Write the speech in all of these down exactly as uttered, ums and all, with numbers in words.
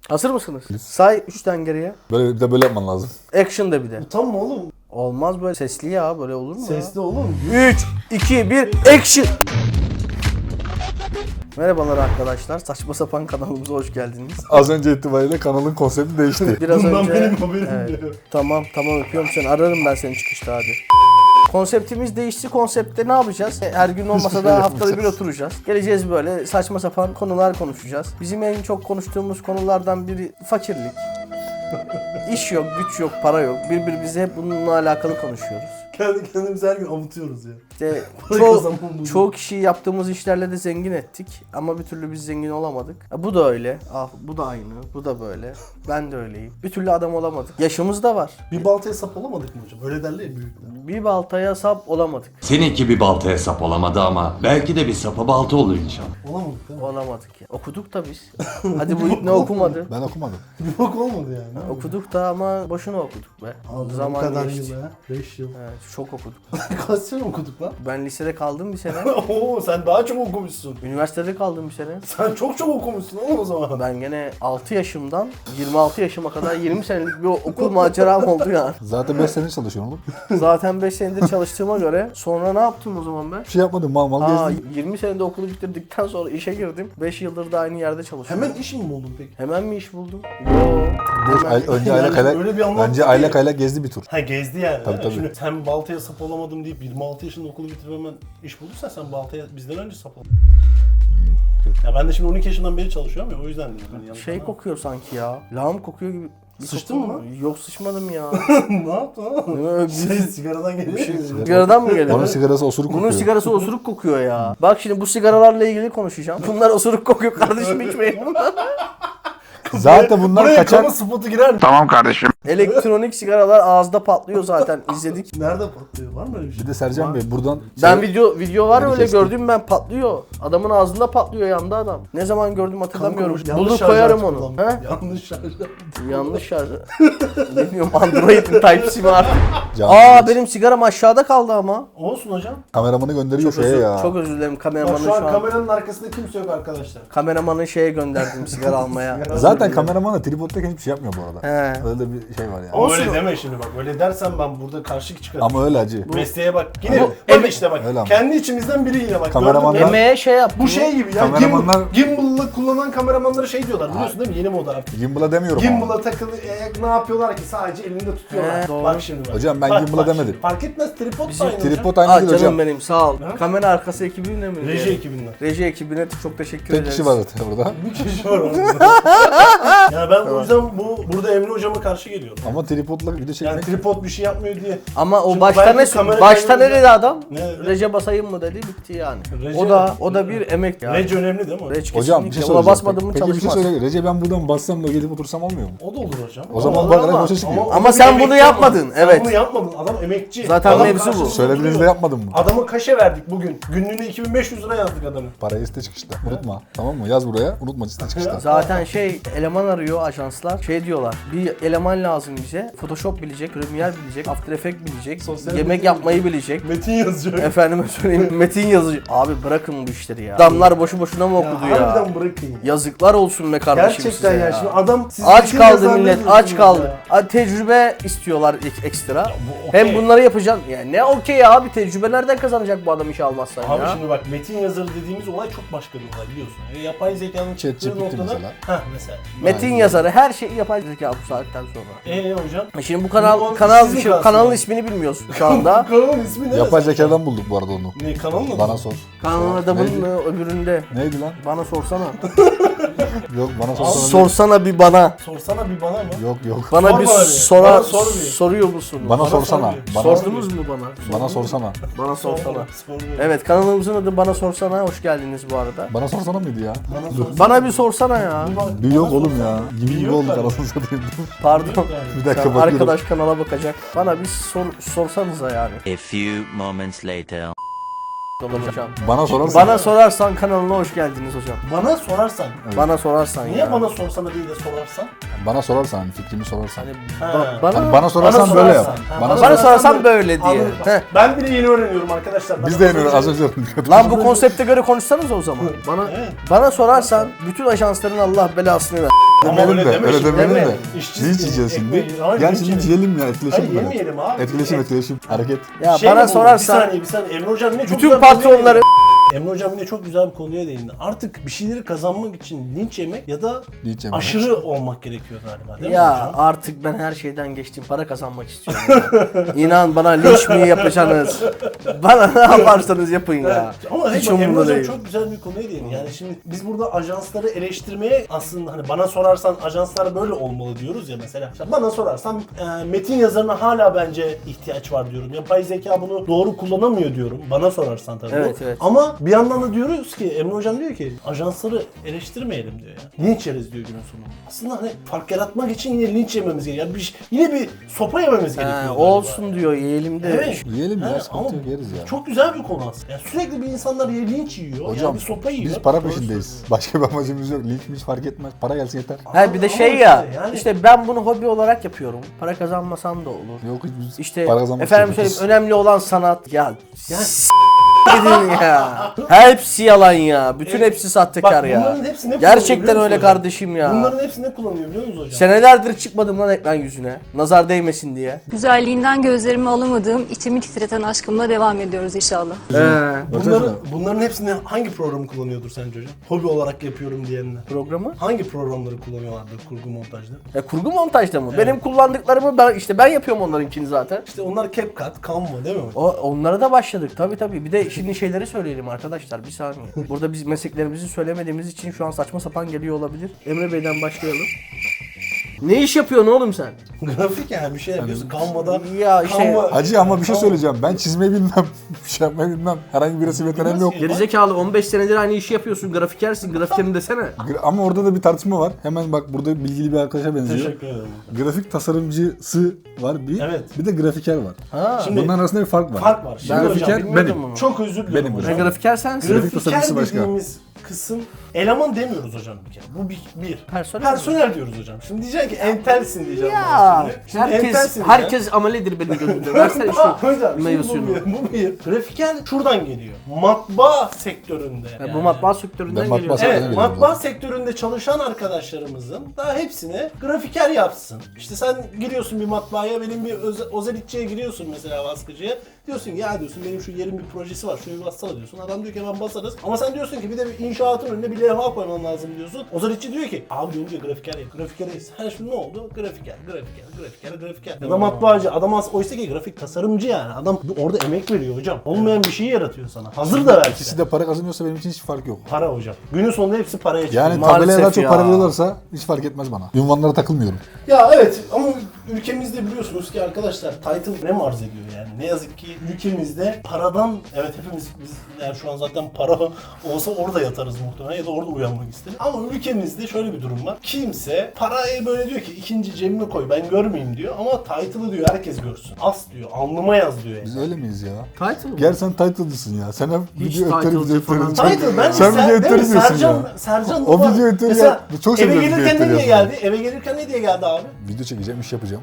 Hazır mısınız? Say üçten geriye. Böyle bir de böyle yapman lazım. Action de bir de. Utanma oğlum. Olmaz böyle sesli ya, böyle olur mu? Sesli oğlum. üç, iki, bir, action! Merhabalar arkadaşlar, saçma sapan kanalımıza hoş geldiniz. Az önce itibariyle kanalın konsepti değişti. Biraz Bundan önce... benim haberim Evet. yok. Tamam, tamam öpüyorum seni. Ararım ben seni çıkışta hadi. Konseptimiz değişti. Konseptte ne yapacağız? Her gün olmasa da haftada bir oturacağız. Geleceğiz böyle saçma sapan konular konuşacağız. Bizim en çok konuştuğumuz konulardan biri fakirlik. İş yok, güç yok, para yok. Birbirimize hep bununla alakalı konuşuyoruz. Kendi kendimizi her gün avutuyoruz ya. İşte Para çoğu, kazanmamız çoğu kişiyi yaptığımız işlerle de zengin ettik. Ama bir türlü biz zengin olamadık. Ha, bu da öyle. Ah, bu da aynı. Bu da böyle. Ben de öyleyim. Bir türlü adam olamadık. Yaşımız da var. Bir baltaya sap olamadık mı hocam? Öyle derler ya büyükler. Bir baltaya sap olamadık. Seninki bir baltaya sap olamadı ama belki de bir sapa balta olur inşallah. Olamadık değil mi? Olamadık ya. Okuduk da biz. Hadi bu ne okumadı. Ben okumadım. Bir bok olmadı yani. Okuduk da ama boşuna okuduk be. Abi bu Zaman kadar geçti. yıl ha. beş yıl. Evet, çok okuduk. Kaç sene okuduk lan? Ben lisede kaldım bir sene. Oo sen daha çok okumuşsun. Üniversitede kaldım bir sene. Sen çok çok okumuşsun oğlum o zaman. Ben gene altı yaşımdan yirmi altı yaşıma kadar yirmi senelik bir okul maceram oldu yani. Zaten beş sene çalışıyorum oğlum. Zaten beş senedir çalıştığıma göre sonra ne yaptım o zaman ben? Bir şey yapmadım, mal mal Aa, gezdim. yirmi senede okulu bitirdikten sonra işe girdim. beş yıldır da aynı yerde çalışıyorum. Hemen iş mi buldun peki? Hemen mi iş buldum? Yo. Beş ay- önce Yani aylak aylak, öyle bir anlattı önce ki- aylak aylak gezdi bir tur. Ha gezdi yani. Tabii, ha? tabii. Şimdi sen baltaya sap olamadım deyip yirmi altı yaşında okulu bitirip hemen iş bulduysan sen baltaya bizden önce sap oldun. Ya ben de şimdi on iki yaşından beri çalışıyorum ya o yüzden dedim. Hani yanlış Şey anlama. kokuyor sanki ya. Lağım kokuyor gibi. Bir Sıçtın koku- mı lan? Yok sıçmadım ya. Ne yaptın oğlum? Öyle Şey, bir- sigaradan geliyor. şey- Sigaradan mı geliyor? Onun sigarası osuruk Bunun kokuyor. sigarası osuruk kokuyor ya. Bak şimdi bu sigaralarla ilgili konuşacağım. Bunlar osuruk kokuyor kardeşim, içmeyin bunlar. Zaten bunlar Buraya kaçak. kamu spotu girer mi? Elektronik sigaralar ağızda patlıyor zaten, izledik. Nerede patlıyor? Var mı öyle bir şey? Bir de Sercan Bey buradan... Ben şey- video video var Beni öyle kestim. gördüm ben, patlıyor. Adamın ağzında patlıyor, yandı adam. Ne zaman gördüm hatırlamıyorum. Kanka, yanlış Bulur şarj koyarım aleti onu. kullanmış. He? Yanlış şarj aleti. Yanlış şarj. Bilmiyorum, Android mi Type-C mi artık. Can Aa Bey, benim sigaram aşağıda kaldı ama. Olsun hocam. kameramanı gönderiyor Çok şeye özür, ya. çok özür dilerim Bak kameramanın şu an şu an. kameranın arkasında kimse yok arkadaşlar. Kameramanı şeye gönderdim sigara almaya. Zaten kameraman da tripoddayken hiçbir şey yapmıyor bu arada. He. Öyle de bir şey var yani. Ama öyle deme şimdi bak. Öyle dersen ben burada karşı çıkarım. Ama öyle acı. Mesleğe bak. Yine Bu- bak Evet. işte bak. Öyle ama. Kendi içimizden biri yine bak. Kameramanlar- Gördün mü? Emeğe şey yap. Bu şey gibi ya. Kameramanlar- Gimbal, gimbal'la kullanan kameramanlara şey diyorlar biliyorsun değil mi? Yeni moda artık. Gimbal'a demiyorum ama. Gimbal'a takılı e, ne yapıyorlar ki sadece elinde tutuyorlar. He, doğru. Bak şimdi bak. Hocam ben Bak, gimbal'a bak demedim. şimdi. Fark etmez tripod Bizim da aynı hocam. Tripod aynı Aa değil canım hocam. benim sağ ol. Ha? Kamera arkası ekibine mi? Reji diye? ekibinden. Reji ekibine çok teşekkür Tek ederiz. kişi var zaten burada. Bir kişi var orada. Yani ben o yüzden bu burada Emre hocama karşı geliyorum. Ama tripodla video çekmek... Yani tripod bir şey yapmıyor diye. Ama o Şimdi başta belki ne kamera başta ne kaydınca- dedi adam? Ne dedi? Rece basayım mı dedi, bitti yani. Rece- o da o da bir emek yani. Rec önemli değil mi? Reç Hocam bir kesinlikle. şey Ona soracağım. basmadım mı Peki bir şey çalışmaz. söyle. Recep ben buradan bassam da gelip otursam olmuyor mu? O da olur hocam. O zaman Ama- bak ama- boşa çıkıyor. o Ama da sen bir bunu emekçi yapmadın, ama. evet. Sen bunu yapmadın. Adam emekçi. Zaten Adam mevzu bu. karşılığında Söylediğinizde duruyor. yapmadım mı? Adama kaşe verdik bugün. Günlüğüne iki bin beş yüz lira yazdık adamı. Parayı iste çıkışta. Unutma. Tamam mı? Yaz buraya. Unutma iste çıkışta. Zaten şey eleman arıyor ajanslar. Şey diyorlar. Bir eleman lazım bize. Photoshop bilecek, Premiere bilecek, After Effects bilecek, Sosyal yemek medya yapmayı bilecek. Metin yazıyor. Efendime söyleyeyim metin yazıcı. Abi bırakın bu işleri ya. Adamlar boşu boşuna mı okudu ya? Harbiden bırakın ya. Yazıklar olsun be kardeşim Gerçekten size ya. ya. Şimdi adam siz Aç metin kaldı yazar millet, diyorsunuz aç kaldı. ya. Hadi tecrübe istiyorlar ek- ekstra. bu okey. Hem bunları yapacaksın. Yani ne okey abi, tecrübe nereden kazanacak bu adam işe almazsan Abi ya? şimdi bak metin yazarı dediğimiz olay çok başka bir olay biliyorsun. E, yapay zekanın çıktığı ChatGPT noktada... mesela. Heh mesela. Metin yazarı her şeyi yapay zeka bu saatten sonra. Eee hocam? E Şimdi bu kanal Bu kanal sizin şu, kalsın kanalın yani. ismini bilmiyoruz şu anda. Kanalın ismi ne? Yapay zekadan bulduk bu arada onu. Ne kanalın adı? Bana sor. Kanalın Neydi? adamın öbüründe. Neydi lan? Bana sorsana. Yok bana sorsana. değil. Sorsana bir bana. Sorsana bir bana mı? Yok yok. Bana Sor bir bana bir. sorar Bana sor bir. soruyor musun? Bana, Bana sorsana. sor bir. Bana, Sordunuz mu bana? bana sorsana. Bana sorsana. Sor bir. Evet, kanalımızın adı Bana Sorsana. Hoş geldiniz bu arada. Bana sorsana mıydı ya? Bana sorsana. Bana bir sorsana ya. Bana- Bir yok bana oğlum sorsana. ya. Gibi Bir gibi yok olduk galiba. anasını satayım. Pardon. Yani. Bir dakika Şu an bakıyorum. arkadaş kanala bakacak. Bana bir sor, sorsanıza yani. A few moments later. Hocam. Bana sorarsan. Bana sorarsan kanalına hoş geldiniz hocam. Bana sorarsan. Bana sorarsan Niye ya. bana sorsana değil de sorarsan? Bana sorarsan hani fikrimi sorarsan. Hani Ha. ba- bana Hani bana sorarsan Bana böyle sorarsan. yap. Ha, Bana, bana sorarsan. sorarsan böyle diye. Anladım. Heh. Ben bile yeni öğreniyorum arkadaşlar. Biz Bana de yeni sorunca- az önce öğrendik. Lan bu konsepte göre konuşsanız o zaman. Bana Evet. bana sorarsan bütün ajansların Allah belasını ver. Ama Demeyelim öyle de, deme öyle şimdi, demeyelim deme. de. İşçi- Linç yiyeceğiz şimdi. ekmeği- Hayır, Gel linç şimdi yemeyiz. yiyelim ya, etkileşim. Hayır, böyle. yemeyelim abi. Etkileşim, Et- etkileşim. Hareket. Ya Şey bana mi bu? sorarsan Bir saniye bir saniye. Emre Hocam yine çok bütün güzel bir konuya patronları değindi. Emre Hocam yine çok güzel bir konuya değindi. Artık bir şeyleri kazanmak için linç yemek ya da Linç yemek. aşırı olmak gerekiyor galiba değil mi ya hocam? artık ben her şeyden geçtim. Para kazanmak istiyorum. ya. İnan bana linç mi yapacaksınız? Bana ne yaparsanız yapın ya. Ama Hiç hey, bak, Emre umurumda Hocam değil. çok güzel bir konuya değindi. Yani şimdi biz burada ajansları eleştirmeye aslında hani bana sorarsan ajanslar böyle olmalı diyoruz ya mesela. İşte bana sorarsan e, metin yazarına hala bence ihtiyaç var diyorum. Yapay zeka bunu doğru kullanamıyor diyorum. Bana sorarsan tabii. Evet, bu. evet. Ama bir yandan da diyoruz ki Emre Hocam diyor ki ajansları eleştirmeyelim diyor ya. Linç yeriz diyor günün sonunda. Aslında hani fark yaratmak için yine linç yememiz gerekiyor. Yani bir, yine bir sopa yememiz gerekiyor. Ha, galiba. olsun diyor yiyelim de. Evet. Yiyelim ya, Ha, sıkıntı ama yok, yeriz ya. Çok güzel bir konu aslında. Yani sürekli bir insanlar ya linç yiyor, Hocam yani bir sopa yiyor. biz para Doğru peşindeyiz. söylüyor. Başka bir amacımız yok. Linç hiç fark etmez. Para gelsin yeter. Ha bir de Ama şey işte ya. yani- İşte ben bunu hobi olarak yapıyorum. Para kazanmasam da olur. Yok hiç biz İşte para kazanmak efendim istiyoruz. söyleyeyim önemli olan sanat. Ya Ya- s- gidin ya. Hepsi yalan ya. Bütün Evet. hepsi sahtekar Bak, ya. bunların hepsi ne kullanıyor Gerçekten biliyor öyle musun hocam? kardeşim ya. Bunların hepsi ne kullanıyor biliyor musunuz hocam? Senelerdir çıkmadım lan ekran yüzüne. Nazar değmesin diye. Güzelliğinden gözlerimi alamadığım, içimi titreten aşkımla devam ediyoruz inşallah. Ee, Bunların, bunların hepsini hangi programı kullanıyordur sence hocam? Hobi olarak yapıyorum diyenler. programı. Hangi programları kullanıyorlardır kurgu montajda? E, kurgu montajda mı? Benim kullandıklarımı ben işte ben yapıyorum onlarınkini zaten. İşte onlar CapCut, Canva değil mi hocam? O onlara da başladık tabii tabii. Bir de şimdi şeyleri söyleyelim arkadaşlar bir saniye. Burada biz mesleklerimizi söylemediğimiz için şu an saçma sapan geliyor olabilir. Emre Bey'den başlayalım. Ne iş yapıyorsun oğlum sen? Grafik yani bir şey yapıyorsun Canva'da. Ya işte- Canva- Hacı ama bir şey Canva- söyleyeceğim. Ben çizmeyi bilmem. Bir şey yapmayı bilmem. Herhangi bir resim yeteneğim yok. Gerizekalı on beş senedir aynı işi yapıyorsun. Grafikersin. Grafikerim desene. Gra- Ama orada da bir tartışma var. Hemen bak burada bilgili bir arkadaşa benziyor. Teşekkür ederim. Grafik tasarımcısı var bir. Evet. Bir de grafiker var. Ha. Şimdi Bunların arasında bir fark var. fark var. Şimdi Ben hocam, grafiker bilmiyordum benim. bunu. çok özür dilerim Benim hocam. Ben grafiker sensin. Grafik Grafiker tasarımcısı başka. dediğimiz kısım eleman demiyoruz hocam bir kere. Bu bir. bir. Personel Personel diyoruz hocam. Şimdi diyeceksin ki entelsin diyeceğim. Ya bana şimdi. Şimdi herkes entelsin herkes amelidir benim gözümde. Versene Aa, şu hocam meyve şimdi bu suyunu. bir, bu bir. Grafiker şuradan geliyor. Matbaa sektöründe. Ya yani. bu matbaa sektöründen Ben matbaa geliyor. sektörü- Evet, Öyle matbaa biliyorum. sektöründe çalışan arkadaşlarımızın daha hepsine grafiker yapsın. İşte sen giriyorsun bir matbaaya, benim bir öze- özellikçiye giriyorsun mesela baskıcıya. Diyorsun ki ya diyorsun benim şu yerin bir projesi var, şunu bir bassana diyorsun. Adam diyor ki hemen basarız. Ama sen diyorsun ki bir de bir inşaatın önüne bir levha koyman lazım diyorsun. Özellikçi diyor ki abi diyor ki grafiker yap, grafiker yap. Her şey ne oldu? Grafiker, grafiker, grafiker, grafiker. Ya da matbaacı, adam as- oysa ki grafik tasarımcı yani. Adam orada emek veriyor hocam. Olmayan bir şeyi yaratıyor sana. Hazır da belki. İkisi de para kazanıyorsa benim için hiç fark yok. Para hocam. Günün sonunda hepsi paraya çıkıyor. Yani Maalesef tabelaya daha çok ya. para veriyorlarsa hiç fark etmez bana. Ünvanlara takılmıyorum. Ya evet ama ülkemizde biliyorsunuz ki arkadaşlar title ne arz ediyor yani. Ne yazık ki ülkemizde paradan, evet hepimiz biz yani şu an zaten para olsa orada yatarız muhtemelen ya da orada uyanmak isteriz. Ama ülkemizde şöyle bir durum var. Kimse parayı böyle diyor ki ikinci cebime koy ben görmeyeyim diyor ama title'ı diyor herkes görsün. As diyor, alnıma yaz diyor yani. Biz öyle miyiz ya? Title mı? Gel sen title'cısın ya. Sen hep Hiç video editörü title'cı video falan. editörü. Title ben Sen video editörü değil mi? diyorsun Sercan, ya. Sercan O Baba- video editörü mesela ya. Çok eve seviyorum video gelirken ne diye editörü geldi? Eve gelirken ne diye geldi abi? Video çekeceğim, iş yapacağım.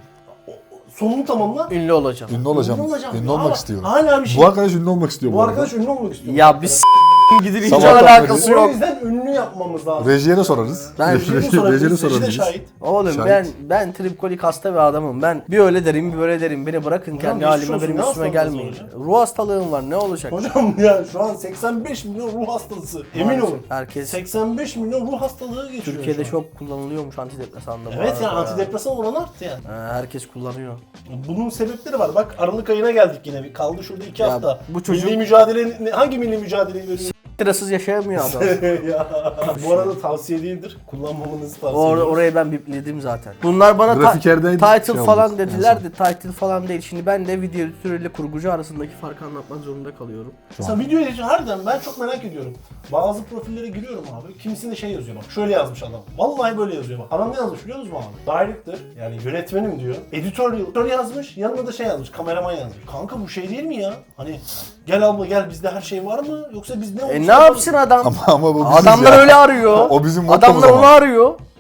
Sonunu tamamla. Ünlü olacağım. Ünlü olacağım. Ünlü olacağım. Ünlü Ama olmak istiyorum. hala bir şey- Bu arkadaş ünlü olmak istiyor bu, Bu arada. arkadaş ünlü olmak istiyor. Ya bir s*** gidin hiç Sabahtan alakası beri- O yok. yüzden ünlü yapmamız lazım. Rejiye de sorarız. Ben Rejiye Rejiye sorabiliriz, de reji de sorabiliriz. şahit. Oğlum Şahit. ben ben tripkolik hasta bir adamım. Ben bir öyle derim bir böyle derim. Beni bırakın kendi geçmiş halime olsun, benim ne üstüme hastalığınız gelmeyin. var Ruh hastalığım var ne olacak? Hocam ya şu an seksen beş milyon ruh hastası. Emin Maalesef. olun. Herkes seksen beş milyon ruh hastalığı geçiyor Türkiye'de şu an. çok kullanılıyormuş antidepresan da bu Evet ya arada. antidepresan oranı arttı yani. Ha, herkes kullanıyor. Bunun sebepleri var. Bak Aralık ayına geldik yine. Bir kaldı şurada iki Ya hafta. bu çocuk- Milli mücadele hangi milli mücadeleyi veriyor? Sırasız yaşayamıyor adam. ya bu arada tavsiye değildir. Kullanmamanızı tavsiye Or ediyorum. orayı ben bipledim zaten. Bunlar bana ta- Grafikerdeydi, title şey falan oldu. dediler En de title falan değil. Şimdi ben de video editörüyle kurgucu arasındaki farkı anlatmak zorunda kalıyorum. Mesela video edici harbiden ben çok merak ediyorum. Bazı profillere giriyorum abi. Kimisinde şey yazıyor bak. Şöyle yazmış adam. Vallahi böyle yazıyor bak. Adam ne yazmış biliyor musun abi? Director yani yönetmenim diyor. Editorial editör yazmış. Yanına da şey yazmış. Kameraman yazmış. Kanka bu şey değil mi ya? Hani gel abla gel bizde her şey var mı? Yoksa biz ne olmuş? E ne yapsın adam? Ama, ama bu biziz Adamlar ya. öyle arıyor. O bizim mottomuz Adamlar ama. onu arıyor.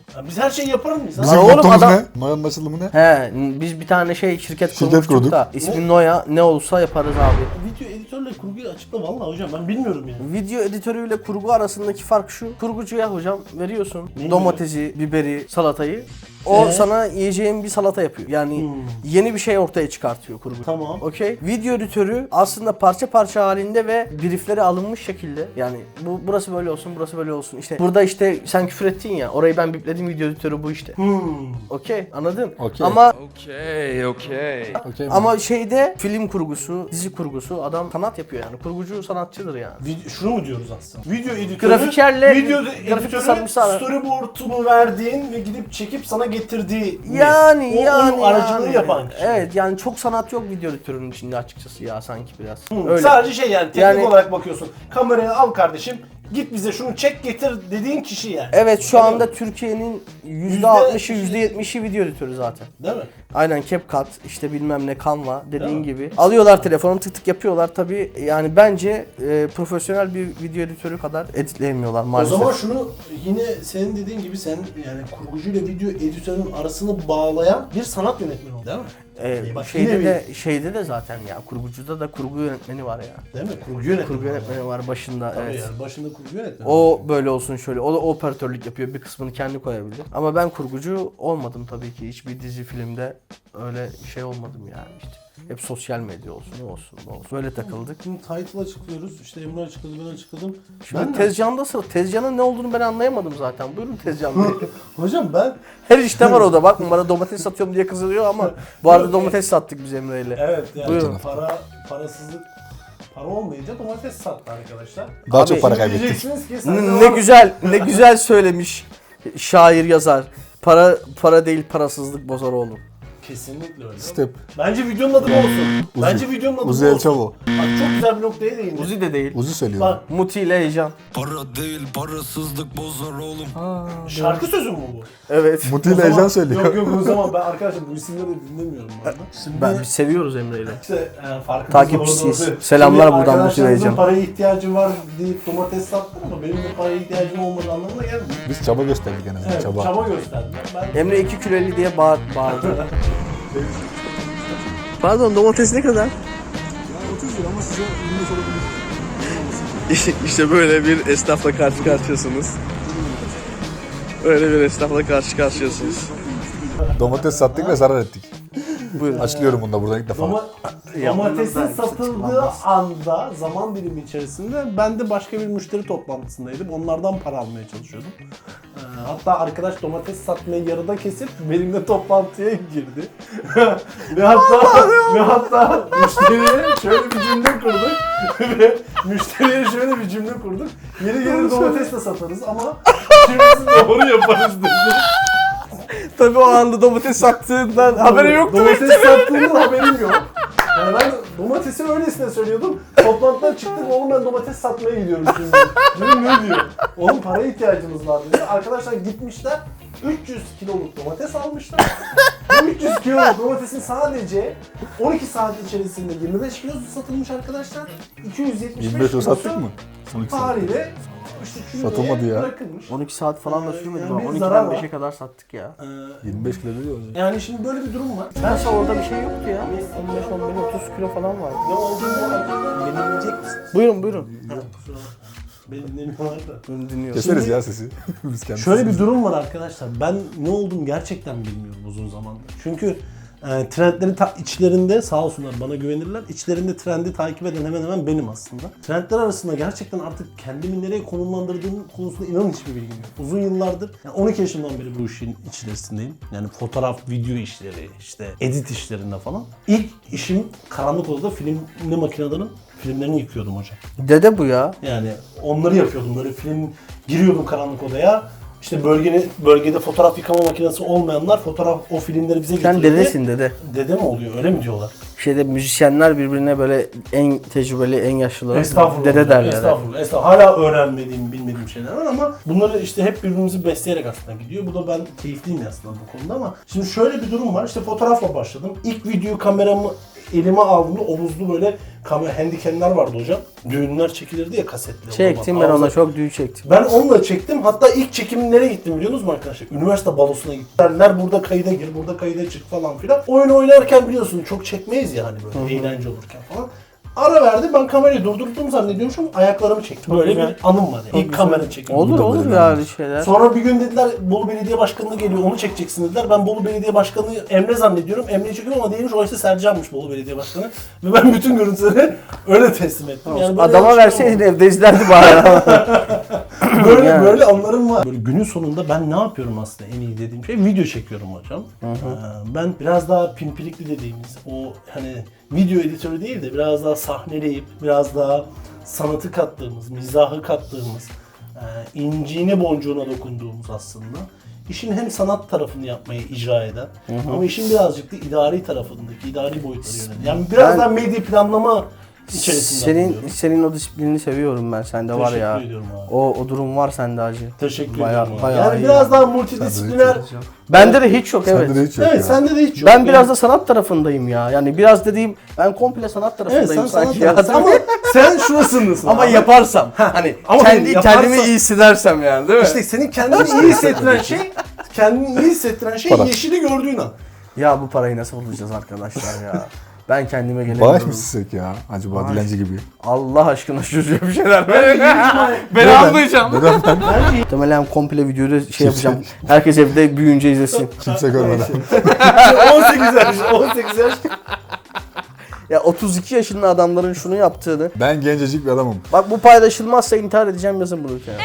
Ya biz her şeyi yapar mıyız? Bizim Lan oğlum mottomuz adam- ne? Noyan'ın açılımı ne? He, biz bir tane şey şirket, Şirket kurmuştuk kurduk. da ismi Noya, ne olsa yaparız abi. Video editörle kurguyu açıkla vallahi hocam ben bilmiyorum yani. Video editörüyle kurgu arasındaki fark şu. Kurgucuya hocam veriyorsun Neyi domatesi, biberi, salatayı. O Ee? sana yiyeceğin bir salata yapıyor. Yani Hmm. yeni bir şey ortaya çıkartıyor kurgu. Tamam. Okey. Video editörü aslında parça parça halinde ve briefleri alınmış şekilde. Yani bu burası böyle olsun, burası böyle olsun. İşte burada işte sen küfür ettin ya. Orayı ben bipledim, video editörü bu işte. Hmm. Okey, anladın? Okey. Ama Okay, okay. Okey mi? ama şeyde film kurgusu, dizi kurgusu adam sanat yapıyor yani. Kurgucu sanatçıdır yani. Video, şunu mu diyoruz aslında? Video editörü, Grafikerle- video grafik editörü tasarımcısı ara- storyboard'unu verdiğin ve gidip çekip sana getirdiği Yani o, yani onun aracılığı yani. yapan kişi. Evet yani çok sanat yok video editörünün içinde açıkçası ya sanki biraz. Hı, Öyle. Sadece şey yani teknik Yani- olarak bakıyorsun. Kamerayı al kardeşim, git bize şunu çek getir dediğin kişi yani. Evet şu Öyle anda mi? Türkiye'nin yüzde altmışı yüzde yetmişi video editörü zaten. Değil mi? Aynen CapCut işte bilmem ne Canva Değil dediğin mi? gibi. Alıyorlar telefonu tık tık yapıyorlar tabi yani bence e, profesyonel bir video editörü kadar editleyemiyorlar maalesef. O zaman şunu yine senin dediğin gibi sen yani kurgucuyla video editörün arasını bağlayan bir sanat yönetmeni oldu değil mi? Ee, Bak şeyde yine de şeyde de zaten ya kurgucuda da kurgu yönetmeni var ya. Değil mi? Kurgu yönetmeni. Kurgu yönetmeni var başında Tabii evet. yani başında kurgu yönetmeni. O böyle olsun şöyle. O da operatörlük yapıyor. Bir kısmını kendi koyabilir. Ama ben kurgucu olmadım tabii ki. Hiçbir dizi filmde öyle şey olmadım yani işte. Hep sosyal medya olsun, ne olsun, ne olsun. Böyle takıldık. Şimdi title açıklıyoruz. İşte Emre açıkladı, ben açıkladım. Şimdi Ben de- Tezcan'da sıra. Tezcan'ın ne olduğunu ben anlayamadım zaten. Buyurun Tezcan Bey. Hocam ben Her işte var o da. Bakma bana domates satıyorum diye kızılıyor ama bu arada domates sattık biz Emre'yle. evet yani Buyurun. para parasızlık para olmayınca domates sattı arkadaşlar. Daha Abi, çok para Şimdi kaybettik. diyeceksiniz ki sen de Ne, ne var- güzel, ne güzel söylemiş şair yazar. Para para değil parasızlık bozar oğlum. Kesinlikle öyle. Step. Bence videonun adı bu olsun. Uzi. Bence videonun adı Uzi bu El olsun. Chavo. Bak çok güzel bir noktaya değindi. Uzi de değil. Uzi söylüyor. Bak Muti ile heyecan. Para değil parasızlık bozar oğlum. şarkı sözü mü bu? Evet. Muti O ile zaman- heyecan söylüyor. Yok yok o zaman ben arkadaşlar bu isimleri dinlemiyorum bu arada. Şimdi Ben biz seviyoruz Emre'yle. işte yani farkımız Takipçisiyiz. orada oldu. Selamlar Şimdi buradan Muti arkadaşlarımızın Beyciğim. paraya ihtiyacım var deyip domates sattım ama benim de paraya ihtiyacım olmadığı anlamına gelmiyor. Biz çaba gösterdik en azından Evet, çaba. çaba gösterdim. Ben Emre iki kilo elli diye bağır, bağırdı. Pardon domates ne kadar? İşte böyle bir esnafla karşı karşıyasınız. Öyle bir esnafla karşı karşıyasınız. Domates sattık ve zarar ettik. Buyurun. Açıklıyorum bunu da buradan ilk defa. Doma- Yapımında domatesin da satıldığı açıklanmaz. anda zaman dilimi içerisinde ben de başka bir müşteri toplantısındaydım. Onlardan para almaya çalışıyordum. Ee, hatta arkadaş domates satmayı yarıda kesip benimle toplantıya girdi. ve hatta ve hatta müşteriye şöyle bir cümle kurduk. ve müşteriye şöyle bir cümle kurduk. Yeri gelir domates de satarız ama işimizi doğru yaparız dedi. Tabii o anda domates sattığından haberi yoktu. Domates sattığımın haberim yok. Yani ben domatesi öylesine söylüyordum. Toplantıdan çıktık oğlum ben domates satmaya gidiyorum şimdi. Dedim ne diyor? Oğlum paraya ihtiyacımız var dedi. Arkadaşlar gitmişler üç yüz kiloluk domates almışlar. Bu üç yüz kiloluk domatesin sadece on iki saat içerisinde yirmi beş kilosu satılmış arkadaşlar. iki yüz yetmiş beş yirmi beş kilo kilosu sattık mı? on iki saat. haliyle işte kümeye Satılmadı ya. bırakılmış. on iki saat falan da Ee, sürmedi. yani bir on zarar ikiden var. beşe kadar sattık ya. Ee, yirmi beş kilo diyor. yani şimdi böyle bir durum var. Nasıl orada bir şey yoktu ya. on beş on beş otuz kilo falan vardı. Ne olduğunu beni dinleyecek misiniz? Buyurun buyurun. Ha, kusura bakma. Beni dinlemiyorlar da. Buyurun dinliyorum. Keseriz Şimdi- ya sesi. Biz kendimiz. Şöyle bir durum var arkadaşlar. Ben ne olduğumu gerçekten bilmiyorum uzun zamandır. Çünkü e, trendleri ta- içlerinde sağ olsunlar bana güvenirler. İçlerinde trendi takip eden hemen hemen benim aslında. Trendler arasında gerçekten artık kendimi nereye konumlandırdığım konusunda inanın hiçbir bilgim yok. Uzun yıllardır, yani on iki yaşımdan beri bu işin içerisindeyim. Yani fotoğraf, video işleri, işte edit işlerinde falan. İlk işim karanlık odada filmle makinelerin filmlerini yıkıyordum hocam. Dede bu ya. Yani onları yapıyordum böyle film giriyordum karanlık odaya. İşte bölgede, bölgede fotoğraf yıkama makinesi olmayanlar fotoğraf o filmleri bize Sen getiriyordu. dedesin dede. Dede mi oluyor öyle mi diyorlar? Şeyde müzisyenler birbirine böyle en tecrübeli, en yaşlıları Estağfurullah. dede derler. Estağfurullah. Estağfurullah. Hala öğrenmediğim, bilmediğim istediğim şeyler var ama bunları işte hep birbirimizi besleyerek aslında gidiyor. Bu da ben keyifliyim aslında bu konuda ama şimdi şöyle bir durum var. İşte fotoğrafla başladım. İlk video kameramı elime aldığımda omuzlu böyle kamera handicam'ler vardı hocam. Düğünler çekilirdi ya kasetle. Çektim ben ona, çok düğün çektim. Ben onunla çektim. Hatta ilk çekim nereye gittim biliyor musunuz arkadaşlar? Üniversite balosuna gittim. Derler burada kayda gir, burada kayda çık falan filan. Oyun oynarken biliyorsun çok çekmeyiz ya hani böyle eğlence olurken falan. Ara verdi, ben kamerayı durdurdum zannediyormuşum, ayaklarımı çektim. Böyle bir anım var yani. İlk kamera çekimi. Olur Bu da olur böyle ya bir öyle şeyler. Sonra bir gün dediler Bolu Belediye Başkanı geliyor, onu çekeceksin dediler. Ben Bolu Belediye Başkanı Emre zannediyorum. Emre'yi çekiyorum ama değilmiş, oysa Sercan'mış Bolu Belediye Başkanı. Ve ben bütün görüntüleri öyle teslim ettim. Yani böyle Adama yanlış verseydin olmadı. evde izlerdi bari. Böyle Yani. böyle anlarım var. Böyle günün sonunda ben ne yapıyorum aslında en iyi dediğim şey video çekiyorum hocam. Ee, ben biraz daha pimpirikli dediğimiz o hani video editörü değil de biraz daha sahneleyip biraz daha sanatı kattığımız, mizahı kattığımız, e, inciğine boncuğuna dokunduğumuz aslında. İşin hem sanat tarafını yapmayı icra eden ama işin birazcık da idari tarafındaki, idari boyutları yönelen. Yani biraz Ben- daha medya planlama içerisinde Senin bulunuyorum. senin o disiplinini seviyorum ben, sende var ya. Teşekkür ediyorum abi. O o durum var sende acı. Teşekkür Bayağı- ediyorum. abi. bayağı yani iyi biraz yani. daha multidisipliner. Bende de hiç yok, evet. Sende de hiç yok Evet, ya. sende de hiç yok. Ben Yani- biraz da sanat tarafındayım ya. Yani biraz dediğim, ben komple sanat Evet, tarafındayım sen sanat sanki ya. tarafı- ama sen şurasındasın. Ama abi. yaparsam, hani Ama kendi yaparsan- kendimi iyi hissedersem yani, değil mi? İşte senin kendini iyi hissettiren şey, kendini iyi hissettiren şey Para. yeşili gördüğün an. Ya bu parayı nasıl bulacağız arkadaşlar ya? Ben kendime gelemiyorum. Bağış mı silsek ya? Acaba dilenci gibi. Allah aşkına şuraya bir şeyler ver. Ben almayacağım. Neden ben? Muhtemelen komple videoyu da şey yapacağım. Herkes evde büyüyünce izlesin. Kimse görmeden. on sekiz yaş, on sekiz yaş. Ya otuz iki yaşında adamların şunu yaptığını. Ben gencecik bir adamım. Bak bu paylaşılmazsa intihar edeceğim, yazın bunu ülkeye. Ya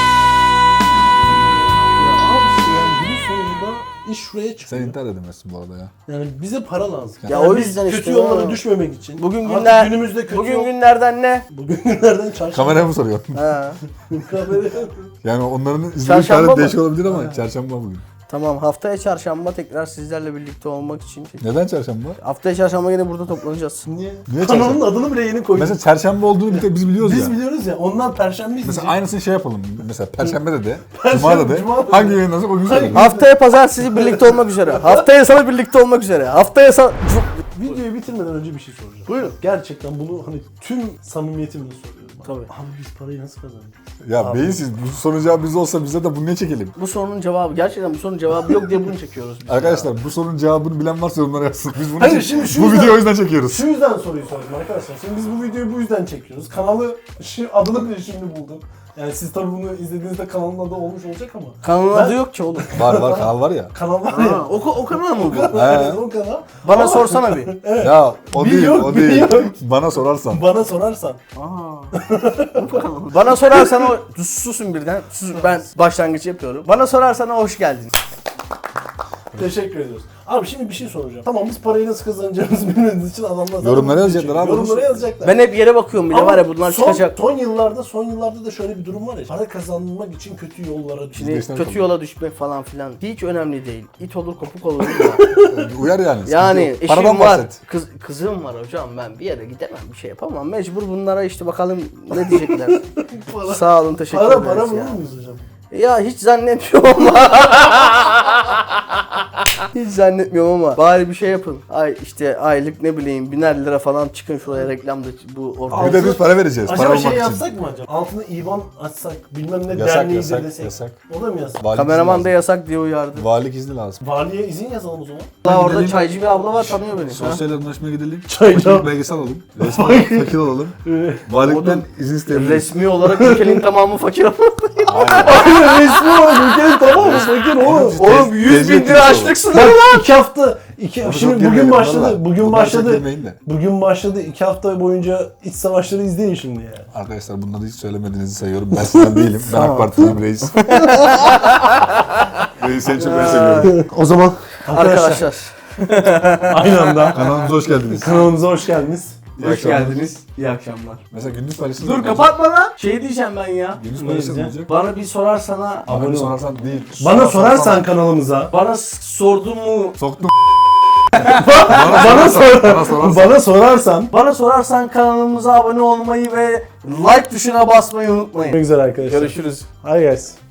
abi işte yani günün sonunda iş şuraya Sen çıkıyor. intihar edemezsin bu arada ya. Yani bize para lazım. Ya Yani o biz yüzden kötü işte yollara o. düşmemek için. Bugün Artık günler, günümüzde kötü bugün yol- günlerden ne? Bugün günlerden çarşamba. Kameraya mı soruyorsun? Ha. Yani onların izlediği Çarşamba tarih mı? değişik olabilir ama çarşamba bugün. Tamam, haftaya çarşamba tekrar sizlerle birlikte olmak için. Neden çarşamba? Haftaya çarşamba yine burada toplanacağız. Niye? Niye Kanalın çarşamba? adını bile yeni koyduk. Mesela çarşamba olduğunu bir tek biz biliyoruz Biz ya. biliyoruz ya. Onlar perşembe izleyecek. Mesela aynısını şey yapalım. Mesela perşembe de de, Perşembe, cuma da de. cuma da de. Hangi yayınlanacak o gün söyleyelim. Haftaya pazartesi birlikte olmak üzere. Haftaya salı birlikte olmak üzere. Haftaya salı... Videoyu bitirmeden önce bir şey soracağım. Buyurun. Gerçekten bunu hani tüm samimiyetimle soruyorum. Tabii. Abi biz parayı nasıl kazandık? Ya beyinsiz bu sorunun cevabı biz olsa bize de bunu ne çekelim? Bu sorunun cevabı, gerçekten bu sorunun cevabı yok diye bunu çekiyoruz biz. Arkadaşlar bu sorunun cevabını bilen varsa yorumlara yazsın. Biz bunu Hayır, çek- şimdi şu bu yüzden- videoyu o yüzden çekiyoruz. Şu yüzden soruyu sordum arkadaşlar. Şimdi biz bu videoyu bu yüzden çekiyoruz. Kanalı, şu adını bile şimdi buldum. Yani siz tabii bunu izlediğinizde kanalın adı olmuş olacak ama. Kanalın Ben- adı yok ki oğlum. Var var kanal var ya. Kanal var Ha, ya. o, o kanal mı bu? Evet, o kanal. Bana Ama sorsana bir. Ya o Bir değil yok, o bir değil. yok. Bana sorarsan. Bana sorarsan. Bana sorarsan o... Susun birden. Sus, ben başlangıç yapıyorum. Bana sorarsan o hoş geldin. Teşekkür ediyoruz. Abi şimdi bir şey soracağım. Tamam biz parayı nasıl kazanacağımızı bilmediğimiz için adamlar zaten Yorumlara bunu yazacaklar çekiyor. abi. Yorumlara yazacaklar. Ben hep yere bakıyorum bile, Ama var ya bunlar son, çıkacak. Son yıllarda, son yıllarda da şöyle bir durum var ya. Para kazanmak için kötü yollara Şimdi düşüyor. Geçten kötü sonra. yola düşmek falan filan hiç önemli değil. İt olur kopuk olur da. Uyar yani. sıkıntı Yani yok. eşim Paradan var, bahset. kız, kızım var hocam, ben bir yere gidemem, bir şey yapamam. Mecbur bunlara işte bakalım ne diyecekler. Para, Sağ olun, teşekkür para, ederiz para ya. bulur muyuz hocam? Ya hiç zannetmiyorum ama. Hiç zannetmiyorum ama bari bir şey yapın. Ay işte aylık ne bileyim biner lira falan çıkın şuraya reklamda bu ortaya. Bir de biz para vereceğiz. Para Acaba olmak şey için. yapsak mı acaba? Altına İban açsak, bilmem ne Yasak, derneği yasak, de desek. yasak. O da mı yasak? Valilik Kameraman izni da lazım. yasak diye uyardı. Valilik izni lazım. Valiye izin yazalım o zaman. Allah orada Gidelim. çaycı bir abla var, tanıyor beni. Ha? Sosyal anlaşmaya gidelim. Çaycı. Fakirlik belgesi alalım. Resmi fakir olalım. Valilikten izin isteyebiliriz. Resmi olarak ülkenin tamamı fakir ama. Resmi olarak ülkenin tamamı fakir oğlum. Oğlum yüz bin lira açlık sınırı Bak lan. iki hafta, iki, Çok şimdi girmeyelim bugün başladı, valla. bugün Bundan çok başladı, girmeyin de. bugün başladı, iki hafta boyunca iç savaşları izleyin şimdi ya. Arkadaşlar bunları hiç söylemediğinizi sayıyorum. Ben sizden değilim. Ben AK Parti'liyim reis. Reis seni çok seviyorum. O zaman Arkadaşlar. aynı anda Kanalımıza hoş geldiniz. kanalımıza hoş geldiniz. İyi akşamlar. İyi akşamlar. Mesela gündüz paylaşılır. Dur kapatma lan. Şey diyeceğim ben ya. Gündüz Ne paylaşılır diyeceğim? olacak. Bana bir sorarsana. Abone sorarsan değil. Bana Sorarsan- sorarsan kanalımıza Bana s- sordun mu? Soktum. bana, sor Bana sorarsan. bana sorarsan. Bana sorarsan kanalımıza abone olmayı ve like tuşuna basmayı unutmayın. Ne güzel arkadaşlar. Görüşürüz. Hadi gelsin.